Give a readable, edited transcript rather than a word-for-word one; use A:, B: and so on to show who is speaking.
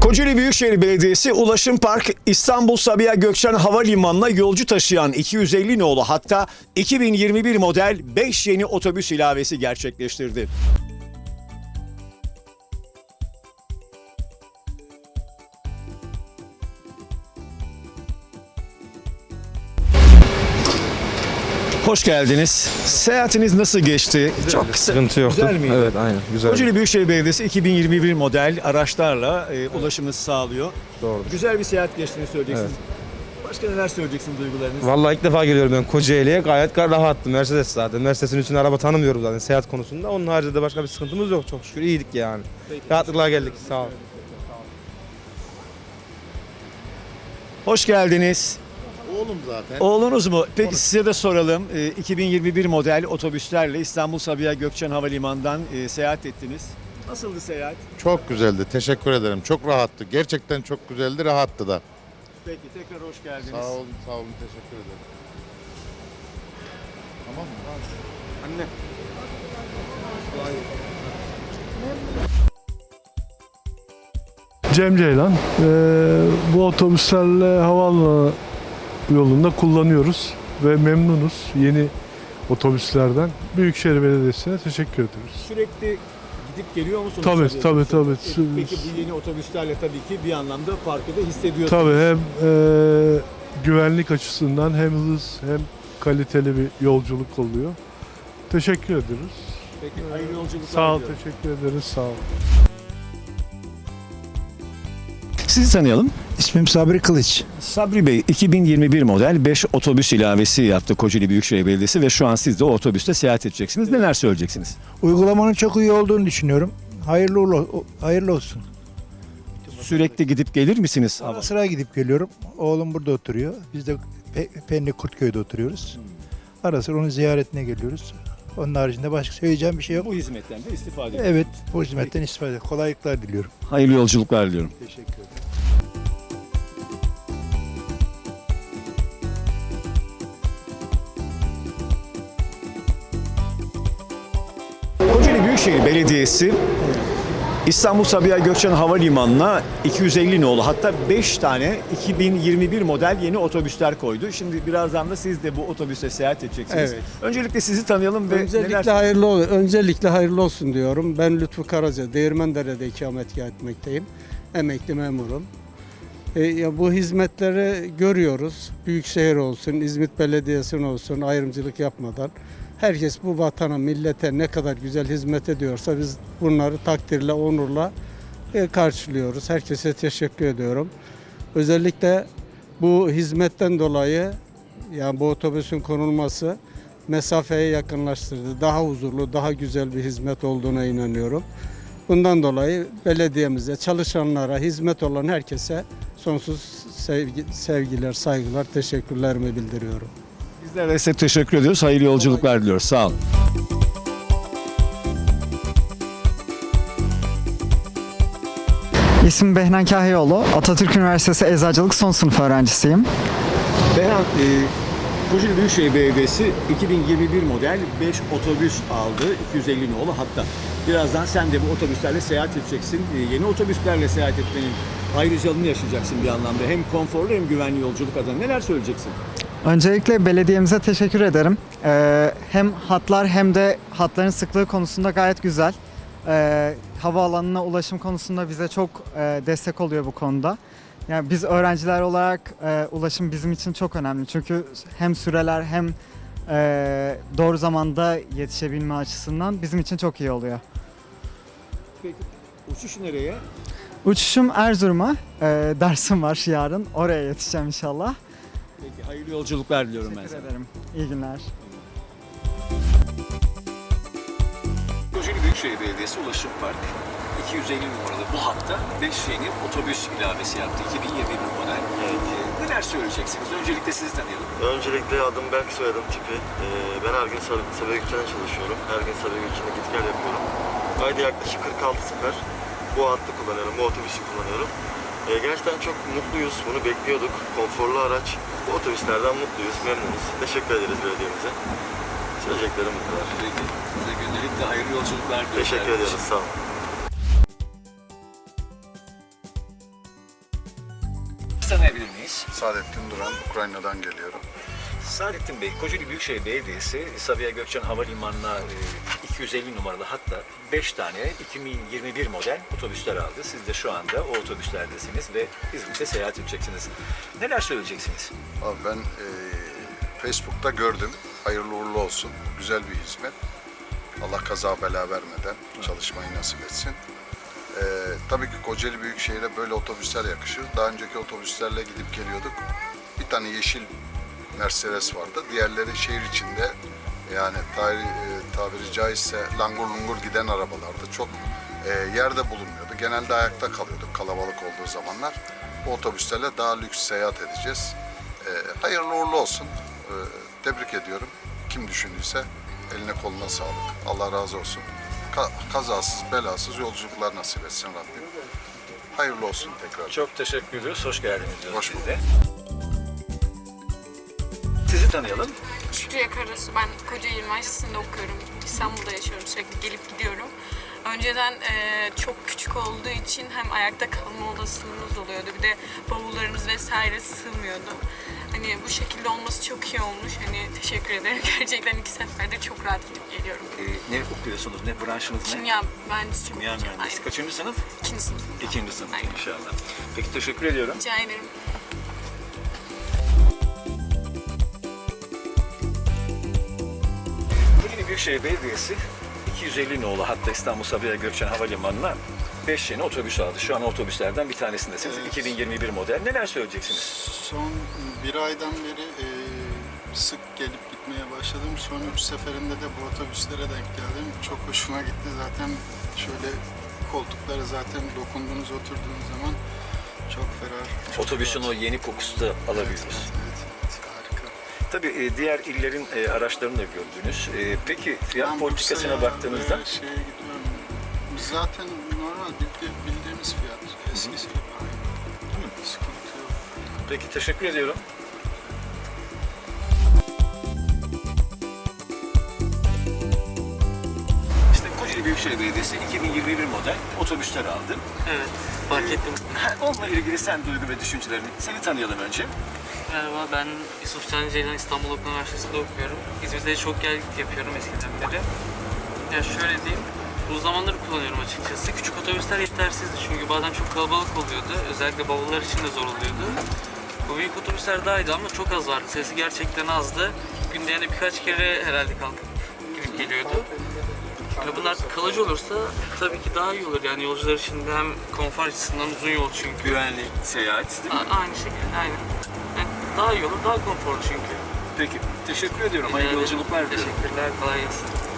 A: Kocaeli Büyükşehir Belediyesi Ulaşım Park İstanbul Sabiha Gökçen Havalimanı'na yolcu taşıyan 250 nolu hatta 2021 model 5 yeni otobüs ilavesi gerçekleştirdi. Hoş geldiniz. Seyahatiniz nasıl geçti? Çok kısa.
B: Sıkıntı yoktu.
A: Güzel miydi?
B: Evet, aynen. Güzel.
A: Kocaeli Büyükşehir Belediyesi 2021 model araçlarla ulaşımı sağlıyor.
B: Doğrudur.
A: Güzel bir seyahat geçtiğini söyleyeceksiniz.
B: Evet.
A: Başka neler söyleyeceksiniz duygularınız?
B: Vallahi ilk defa geliyorum ben Kocaeli'ye. Gayet rahattım. Mercedes zaten. Mercedes'in üstüne araba tanımıyorum zaten seyahat konusunda. Onun haricinde başka bir sıkıntımız yok çok şükür. İyiydik yani.
A: Peki.
B: Rahatlıkla geldik. Sağ olun.
A: Hoş geldiniz.
C: Oğlum zaten.
A: Oğlunuz mu? Peki size de soralım. 2021 model otobüslerle İstanbul Sabiha Gökçen Havalimanı'ndan seyahat ettiniz. Nasıldı seyahat?
C: Çok güzeldi. Teşekkür ederim. Çok rahattı. Gerçekten çok güzeldi. Rahattı da.
A: Peki tekrar hoş geldiniz.
C: Sağ olun, sağ olun. Teşekkür ederim. Tamam mı?
B: Anne.
D: Cem Ceylan. Bu otobüslerle havaalanı yolunda kullanıyoruz ve memnunuz yeni otobüslerden. Büyükşehir Belediyesi'ne teşekkür ediyoruz.
A: Sürekli gidip geliyor musunuz?
D: Tabii.
A: Peki bu yeni otobüslerle tabii ki bir anlamda farkı da hissediyorsunuz.
D: Tabii hem güvenlik açısından hem hız hem kaliteli bir yolculuk oluyor. Teşekkür ediyoruz.
A: Peki hayırlı yolculuklar
D: Sağ ol,
A: diliyorum.
D: teşekkür ederiz. Sağ ol.
A: Sizi tanıyalım.
E: İsmim Sabri Kılıç.
A: Sabri Bey 2021 model 5 otobüs ilavesi yaptı Kocaeli Büyükşehir Belediyesi ve şu an siz de o otobüste seyahat edeceksiniz. Neler söyleyeceksiniz?
E: Uygulamanın çok iyi olduğunu düşünüyorum. Hayırlı olsun.
A: Sürekli gidip gelir misiniz?
E: Ara sıra gidip geliyorum. Oğlum burada oturuyor. Biz de Pendik Kurtköy'de oturuyoruz. Ara sıra onun ziyaretine geliyoruz. Onun haricinde başka söyleyeceğim bir şey yok.
A: Bu hizmetten de istifade ediyoruz.
E: Evet, bu hizmetten istifade. Kolaylıklar diliyorum.
A: Hayırlı yolculuklar diliyorum.
E: Teşekkür ederim.
A: Kocaeli Büyükşehir Belediyesi İstanbul Sabiha Gökçen Havalimanı'na 250 nolu hatta 5 tane 2021 model yeni otobüsler koydu. Şimdi birazdan da siz de bu otobüste seyahat edeceksiniz.
F: Evet.
A: Öncelikle sizi tanıyalım ve
F: Öncelikle hayırlı olsun diyorum. Ben Lütfü Karaca, Değirmendere'de ikametgah etmekteyim. Emekli memurum. Bu hizmetleri görüyoruz. Büyükşehir olsun, İzmit Belediyesi'nin olsun ayrımcılık yapmadan. Herkes bu vatana, millete ne kadar güzel hizmet ediyorsa biz bunları takdirle, onurla karşılıyoruz. Herkese teşekkür ediyorum. Özellikle bu hizmetten dolayı yani bu otobüsün konulması mesafeyi yakınlaştırdı. Daha huzurlu, daha güzel bir hizmet olduğuna inanıyorum. Bundan dolayı belediyemize, çalışanlara, hizmet olan herkese sonsuz sevgiler, saygılar, teşekkürlerimi bildiriyorum.
A: bizler de size teşekkür ediyoruz. Hayırlı yolculuklar diliyoruz. Sağ olun.
G: İsmim Behnen Kahyaoğlu. Atatürk Üniversitesi Eczacılık son sınıf öğrencisiyim.
A: Beyhan, Kocaeli Büyükşehir Belediyesi 2021 model 5 otobüs aldı. 250 nolu hatta. Birazdan sen de bu otobüslerle seyahat edeceksin. Yeni otobüslerle seyahat etmenin ayrıcalığını yaşayacaksın bir anlamda. Hem konforlu hem güvenli yolculuk adına. Neler söyleyeceksin?
G: Öncelikle belediyemize teşekkür ederim. Hem hatlar hem de hatların sıklığı konusunda gayet güzel. Havaalanına ulaşım konusunda bize çok destek oluyor bu konuda. Yani biz öğrenciler olarak ulaşım bizim için çok önemli. Çünkü hem süreler hem doğru zamanda yetişebilme açısından bizim için çok iyi oluyor.
A: Peki uçuş nereye?
G: Uçuşum Erzurum'a. Dersim var yarın. Oraya yetişeceğim inşallah.
A: Peki hayırlı yolculuklar diliyorum ben
G: Teşekkür
A: sana.
G: ederim. İyi günler.
A: Kocaeli Büyükşehir Belediyesi Ulaşım Park 250 numaralı bu hatta 5 yeni otobüs ilavesi yaptı 2021 model. Neler söyleyeceksiniz? Öncelikle sizi tanıyalım.
H: Öncelikle adım Berk, soyadım Tipi. Ben her gün Sabiha Gökçen'de çalışıyorum. Her gün Sabiha Gökçen'de git gel yapıyorum. Ayda yaklaşık 46 sefer bu hattı kullanıyorum, bu otobüsü kullanıyorum. Gerçekten çok mutluyuz, bunu bekliyorduk. Konforlu araç, bu otobüslerden mutluyuz, memnunuz. Teşekkür ederiz belediyemize. Söyleyeceklerim bu kadar.
A: Peki. Size gündelik de hayırlı yolculuklar diliyorum.
H: Teşekkür ediyoruz, sağ olun.
A: Sizi tanıyabilir miyiz?
I: Saadettin Duran, Ukrayna'dan geliyorum.
A: Saadettin Bey, Kocaeli Büyükşehir Belediyesi Sabiha Gökçen Havalimanı'na 250 numaralı hatta 5 tane 2021 model otobüsler aldı. Siz de şu anda o otobüslerdesiniz ve İzmit'e seyahat edeceksiniz. Neler söyleyeceksiniz?
I: Abi ben Facebook'ta gördüm. Hayırlı uğurlu olsun. Güzel bir hizmet. Allah kaza bela vermeden çalışmayı nasip etsin. Tabii ki Kocaeli Büyükşehir'e böyle otobüsler yakışır. Daha önceki otobüslerle gidip geliyorduk. Bir tane yeşil Mercedes vardı. Diğerleri şehir içinde yani tabiri caizse langur lungur giden arabalardı. Çok yerde bulunmuyordu. Genelde ayakta kalıyorduk kalabalık olduğu zamanlar. Bu otobüslerle daha lüks seyahat edeceğiz. Hayırlı uğurlu olsun. Tebrik ediyorum. Kim düşündüyse eline koluna sağlık. Allah razı olsun. Kazasız belasız yolculuklar nasip etsin Rabbim. Hayırlı olsun tekrar.
A: Çok teşekkür ediyoruz. Hoş geldiniz diyoruz
I: Hoş
A: biz de. Sizi tanıyalım.
J: Şükriye Karasu. Ben Kocaeli Üniversitesi'nde okuyorum. İstanbul'da yaşıyorum. Sürekli gelip gidiyorum. Önceden çok küçük olduğu için hem ayakta kalma olasılığımız oluyordu. Bir de bavullarımız vesaire sığmıyordu. Hani bu şekilde olması çok iyi olmuş. Hani teşekkür ederim. Gerçekten 2 seferde çok rahat gidip geliyorum.
A: Ne okuyorsunuz? Ne branşınız ne?
J: Kimya mühendisliği
A: Kimya
J: okuyacağım.
A: mühendisi. Kaçıncı sınıf?
J: Aynen. 2. sınıf.
A: 2. sınıf
J: Aynen.
A: inşallah. Peki teşekkür ediyorum.
J: Rica ederim.
A: Kocaeli Büyükşehir Belediyesi 250 nolu hatta İstanbul Sabiha Gökçen Havalimanı'na 5 yeni otobüs aldı. Şu an otobüslerden bir tanesindesiniz.
K: Evet.
A: 2021 model. Neler söyleyeceksiniz?
K: Son bir aydan beri sık gelip gitmeye başladım. Son 3 seferinde de bu otobüslere denk geldim. Çok hoşuma gitti. Zaten şöyle koltukları zaten dokunduğunuz, oturduğunuz zaman çok ferah. Çok
A: Otobüsün
K: rahat.
A: o yeni kokusu da alabiliyoruz.
K: Evet, harika.
A: Tabii diğer illerin araçlarını da gördünüz. Peki fiyat
K: Ben
A: politikasına
K: Bursa'ya
A: baktığınızda
K: ve şeye gidiyorum. Zaten normal bildiğimiz fiyat. Eskisi gibi aynı. Sıkıntı yok.
A: peki teşekkür ediyorum. İşte Kocaeli Büyükşehir Belediyesi 2021 model otobüsler aldı.
L: Evet, fark ettim.
A: Onunla ilgili sen duygu ve düşüncelerini, seni tanıyalım önce.
L: Merhaba, ben Yusuf Can Ceylan İstanbul Okul Üniversitesi'nde okuyorum. İzmir'de çok gel git yapıyorum eskiden beri. Ya şöyle diyeyim, bu zamanları kullanıyorum açıkçası. Küçük otobüsler yetersizdi çünkü bazen çok kalabalık oluyordu. Özellikle bavullar için de zor oluyordu. Bu büyük otobüsler daha iyiydi ama çok az vardı. Sayısı gerçekten azdı. Günde yani birkaç kere herhalde kalkıp gidip geliyordu. Yani bunlar kalıcı olursa tabii ki daha iyi olur. Yani yolcular için de hem konfor açısından uzun yol çünkü.
A: Güvenli seyahat değil mi?
L: Aynı şekilde, aynen. Yani daha iyi olur, daha konforlu çünkü.
A: Peki, teşekkür ediyorum. Hayırlı yolculuklar diliyorum.
L: Teşekkürler, kolay gelsin.